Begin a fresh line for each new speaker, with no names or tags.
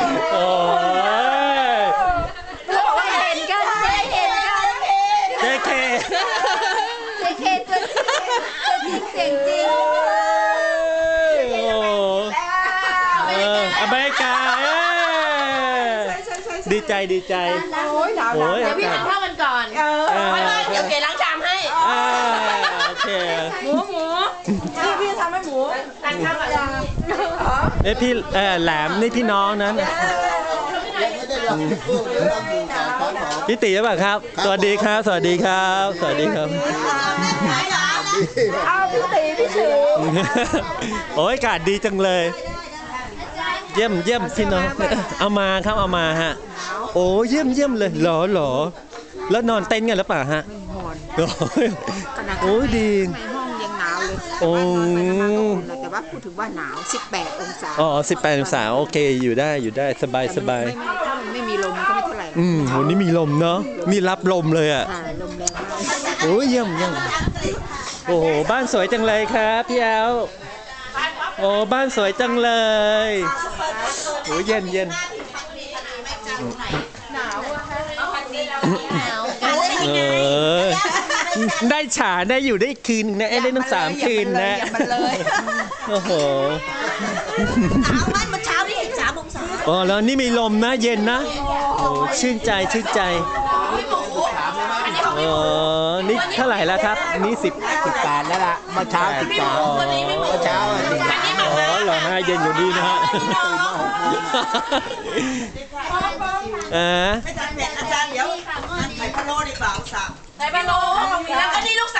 โอ้ย
เขาบอกว่าเห็นกันเห็นกัน
เจ๊เค
ตัวจริงเสียงจริง
อเมริกาดีใจดีใจโอ้ยเดี๋ยว
พี่ทานข้าวกันก่อนเดี๋ยวเก๋ล้างชามให้
โอเค
หมูพี่ทำให้หมูทานข้าวกัน
พี่แหลมนี่พี่น้องนั้นพี่ตีหรือเปล่าครับสวัสดีครับสวัสดีครับสวัสดีครับ
พี่ตี
โอ้ยอากาศดีจังเลยเยี่ยมพี่น้องเอามาครับเอามาฮะโอ้เยี่ยมเลยหรอแล้วนอนเต็นท์กันหรือเปล่าฮะนอนโอ้ดี
ในห้องยังหนาวเลย
โอ้
แต่ว่าพูดถึงว่าหนาว18 องศา
18 องศาโอเคอยู่ได้สบาย
ถ้ามันไม่มีลมมันก็ไม่เท่าไหร่
วันนี้มีลมเนาะมีรับลมเลยอ่ะ
ลมแรงมาก
โอ้เยี่ยมโอ้โหบ้านสวยจังเลยครับพี่แอลโอ้บ้านสวยจังเลยโอ้เย็นได้ฉาได้อยู่ได้คืนนะได้ตั้ง3 คืนนะโอ้โห
มันเช้านี่3 องศา
แล้วนี่มีลมนะเย็นนะโอ้ชื่นใจนี่เท่าไหร่แล้วครับนี่18แล้วล่ะเมื่อเช้า13เมื่อเช้าเหรอฮะเย็นอยู่ดีนะฮะ
อาจารย์เดี๋ยวใส่พะโล้ดีกว่าสั่งใส่พะโล้แล้วก็นี่ลูก